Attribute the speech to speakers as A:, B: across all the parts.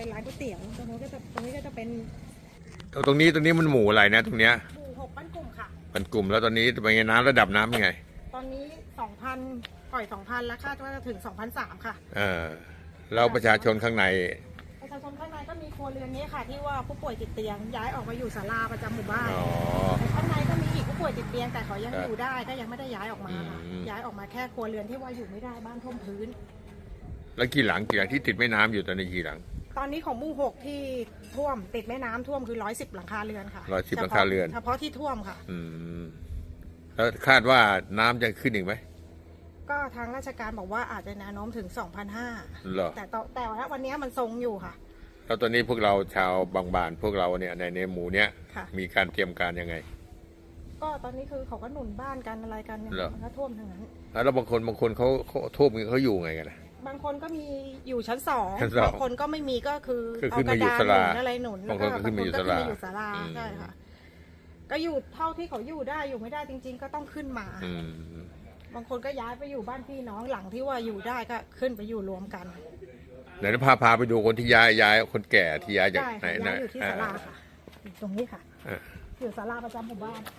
A: เป็นร้านก๋วยเตี๋ยวตรงนี้ก็จะเป็น
B: ตรงนี้มันหมู่อะไรนะตรงเนี้ย
A: หมู่6บ้านกลุ่มค่ะ
B: เป็นกลุ่มแล้วตอนนี้เป็นไงน้ำระดับน้ำเป็นไง
A: ตอนนี้ 2,000 ปล่อย 2,000 แล้วคาดว่าจะถึง 2,300 ค่ะ
B: แล้วประชาชนข้างใน
A: ประชาชนข้างในก็มีครัวเรือนนี้ค่ะที่ว่าผู้ป่วยติดเตียงย้ายออกมาอยู่ศาลาประจำหมู่บ้านข้างในก็มีอีกผู้ป่วยติดเตียงแต่เขายังอยู่ได้ก็ยังไม่ได้ย้ายออกมาค่ะย้ายออกมาแค่ครัวเรือนที่ว่าอยู่ไม่ได้บ้านท่วมพื้น
B: แล้วกี่หลังที่ติดแม่น้ำอยู่ตอนนี้กี่หลัง
A: ตอนนี้ของหมู่6ที่ท่วมติดแม่น้ำท่วมคือ110หลังคาเรือนค่ะ
B: 110หลังคาเรือน
A: เฉพาะที่ท่วมค่ะ
B: แล้วคาดว่าน้ำจะขึ้นอีกไหม
A: ก็ทางราชการบอกว่าอาจจะแนวโน้มถึง 2,500 แต่ว่าวันนี้มันทรงอยู่ค่ะ
B: แล้วตอนนี้พวกเราชาวบางบานพวกเราเนี่ยในหมู่เนี้ยมีการเตรียมการยังไง
A: ก็ตอนนี้คือเขาก็หนุนบ้านกันอะไรกันเนี่ยมันก็ท่วมทั้งนั้น
B: แล้วบางคนเขาท่วมเขาอยู่ไงกันนะ
A: บางคนก็มีอยู่ชั้น2บางคนก็ไม่มีก็คือ
B: เอากระดานหนุ
A: นอะไรหนุน
B: บางคนก็ขึ้นมาอยู่ศาลา
A: ใช่ค่ะก็อยู่เท่าที่เขาอยู่ได้อยู่ไม่ได้จริงๆก็ต้องขึ้นมาบางคนก็ย้ายไปอยู่บ้านพี่น้องหลังที่ว่าอยู่ได้ก็ขึ้นไปอยู่รวมกัน
B: เดี๋ยวพาไปดูคนที่ย้ายคนแก่ที่ย้ายจากไหน
A: นะอยู่ที่ศาลาค่ะตรงนี้ค่ะอยู่ศาลาประจำหมู่บ้าน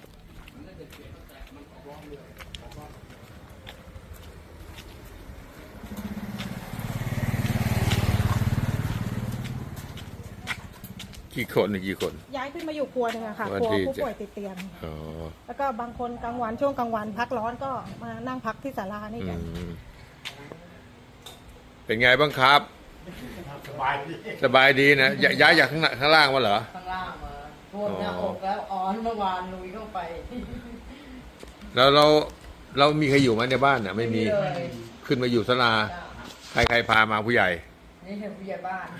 B: กี่คน
A: ย้ายขึ้นมาอยู่ครัวหนึ่งอะค่ะครัวผู้ป่วยติดเตียงแล้วก็บางคนกลางวันช่วงกลางวันพักร้อนก็มานั่งพักที่ศาลานี่กัน
B: เป็นไงบ้างครับสบายดีนะย้ายจากข้างล่างมาเหรอ
C: ข้างล่างมาท่วมหน้าอกแล้วอ่อนเมื่อวานลุยเข้าไป
B: แล้วเรามีใครอยู่ไหมในบ้านน่ะไม่มีขึ้นมาอยู่ศาลาใครพามาผู้ใหญ่
C: นี่คือผู้ใหญ่บ้าน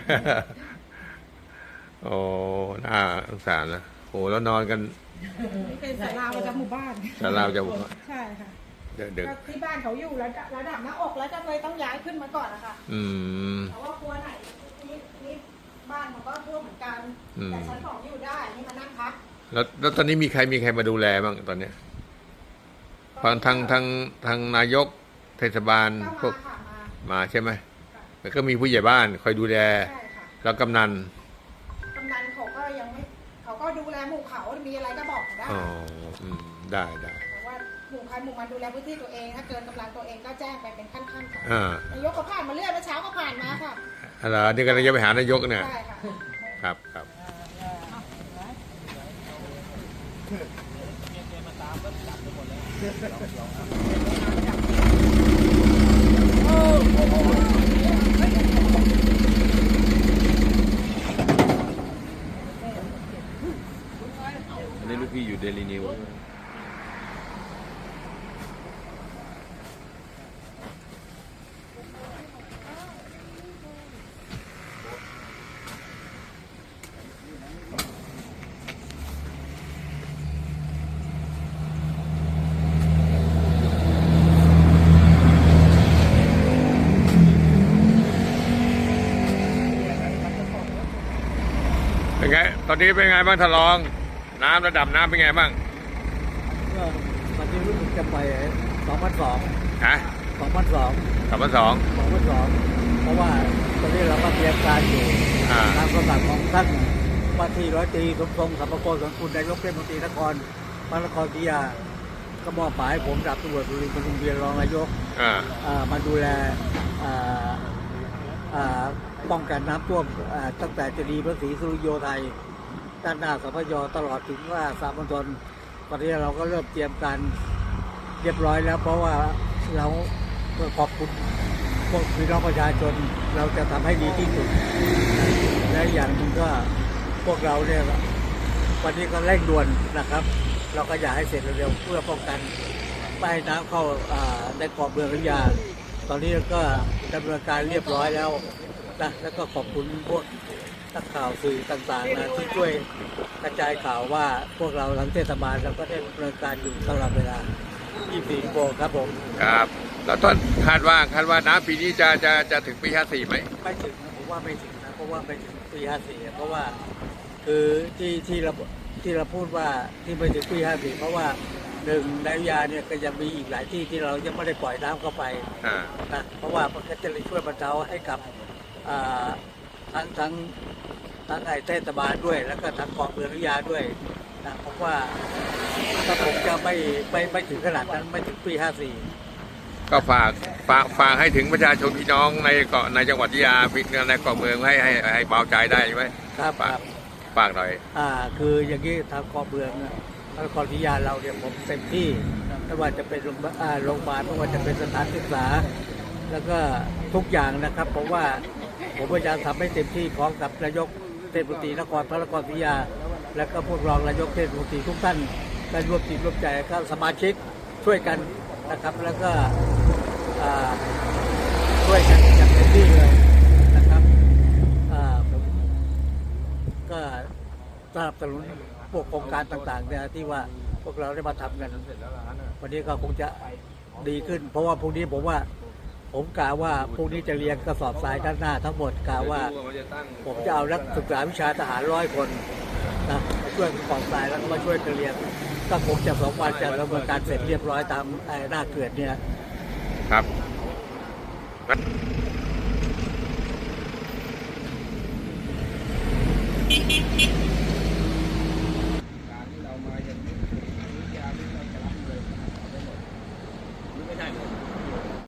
B: โอ้น่าสงสารนะโอ้แล้วนอนกัน
A: เป็นศาลาประจำหมู่บ้าน
B: ศาลาประจำหมู่บ้าน
A: ใช่ค่ะ
B: เด็ก
A: ที่บ้านเขาอยู่ระดับหน้าอกแล้วจะเลยต้องย้ายขึ้นมาก่อนนะคะเพราะว่าครัวไหนนี่บ้านเขาก็ท่วมเหมือนกันแต่ชั้น2อยู่ได้นี่มานั่งพัก
B: แล้วตอนนี้มีใครมาดูแลบ้างตอนเนี้ยทางนายกเทศบาลพวกมาใช่ไหมแล้วก็มีผู้ใหญ่บ้านคอยดูแลแล้วกำนัน
A: เขาก็ยังไม่เขาก็ดูแลหมู่เขามีอะไรก็บอกได้
B: ได้
A: แต่ว่าหมู่ใครหมู่มันดูแลพื้นที่ตัวเองถ้าเกินกำลังตัวเองก็แจ้งไปเป็นขั้นๆค่ะนายกก็ผ่านมาเรื่อยเมื่อเช้าก็ผ่านมาค่ะ
B: อะไรนี่ก็จะไปหานายกเนี่ย
A: ใช่ค่ะ
B: ครับนี่ลูกพี่อยู่เดลินิวเป็นไงตอนนี้เป็นไงบ้างทะลองน้ำระดับน้ำเป็นไงบ้าง
D: ก็ตอนนี้รู้สึกจะไป2,200
B: ฮะ
D: 2,200เพราะว่าตอนนี้เราก็เตรียมการอยู่ตามคำสั่งของท่านว่าที่ร้อยตรีสมทรงสัมภโกศลคุณนายกเทศมนตรีนครพระนครศรีอยุธยาก็มอบหมายผมดาบตำรวจสุรินทร์ปทุมเวียนรองนายกมาดูแลป้องกันน้ำท่วมตั้งแต่เจดีย์พระศรีสุริโยไทยด้านหน้าสพยตลอดถึงว่าสามมณฑลตอนนี้เราก็เริ่มเตรียมการเรียบร้อยแล้วเพราะว่าเราขอบคุณพวกพี่น้องประชาชนเราจะทำให้ดีที่สุดและอย่างหนึ่งก็พวกเราเนี่ยวันนี้ก็เร่งด่วนนะครับเราก็อยากให้เสร็จเร็วๆเพื่อป้องกันไม่ให้น้ำเข้าในเกาะเมืองอยุธยาตอนนี้ก็ดำเนินการเรียบร้อยแล้วนะแล้วก็ขอบคุณพวกนักข่าวสื่อต่างๆนะที่ช่วยกระจายข่าวว่าพวกเราหลังเทศบาลเราก็ได้ดำเนินการอยู่ตลอดเวลา24 ชั่วโมงครับผม
B: ครับแล้วต้นคาดว่าน้ำปีนี้จะถึงปี54ไหม
D: ไม่ถึงนะผมว่าไม่ถึงนะเพราะว่าไปถึงปี54เพราะว่าคือที่เราพูดว่าที่ไปถึงปี54เพราะว่าหนึ่งในอยุธยาเนี่ยก็ยังมีอีกหลายที่ที่เรายังไม่ได้ปล่อยน้ำเข้าไปนะเพราะว่ามันก็จะช่วยบรรเทาให้กับทั้งไอ้เทศบาลด้วย แล้วก็ทั้งกองเมืองวิทยาด้วยนะผมว่าถ้าผมจะไม่ถึงขนาดนั้นไม่ถึงปี 54
B: ก็ฝากให้ถึงประชาชนพี่น้องในเกาะในจังหวัดยะลาในเกาะเมืองให้เบาใจได้ใช่ไหม
D: ครับ
B: ฝากหน่อย
D: คืออย่างนี้ทางกองเมืองนครศรีธรรมราชเราเนี่ยผมเต็มที่ไม่ว่าจะเป็นโรงพยาบาลไม่ว่าจะเป็นสถานศึกษา แล้วก็ทุกอย่างนะครับผมว่าผมพยายามทำให้เต็มที่พร้อมกับนายกเทศมนตรีนครศรีธรรมราชและก็พวกรองนายกเทศมนตรีทุกท่านได้ร่วมจิตร่วมใจก็สมาชิกช่วยกันนะครับแล้วก็ช่วยกันอย่างเต็มที่เลยนะครับผมก็สนับสนุนพวกโครงการต่างๆเนี่ยที่ว่าพวกเราได้มาทำกันวันนี้ก็คงจะดีขึ้น เพราะว่าพรุ่งนี้ผมกล่าวว่าพรุ่งนี้จะเรียนกระสอบทรายด้านหน้าทั้งหมดกล่าวว่าผมจะเอานักศึกษาวิชาทหาร100 คนนะมาช่วยกระสอบทรายแล้วก็มาช่วยกันเรียนก็คงจะ2 วันจะดำเนินการเสร็จเรียบร้อยตามหน้าเขื่อนเนี่ย
B: ครับ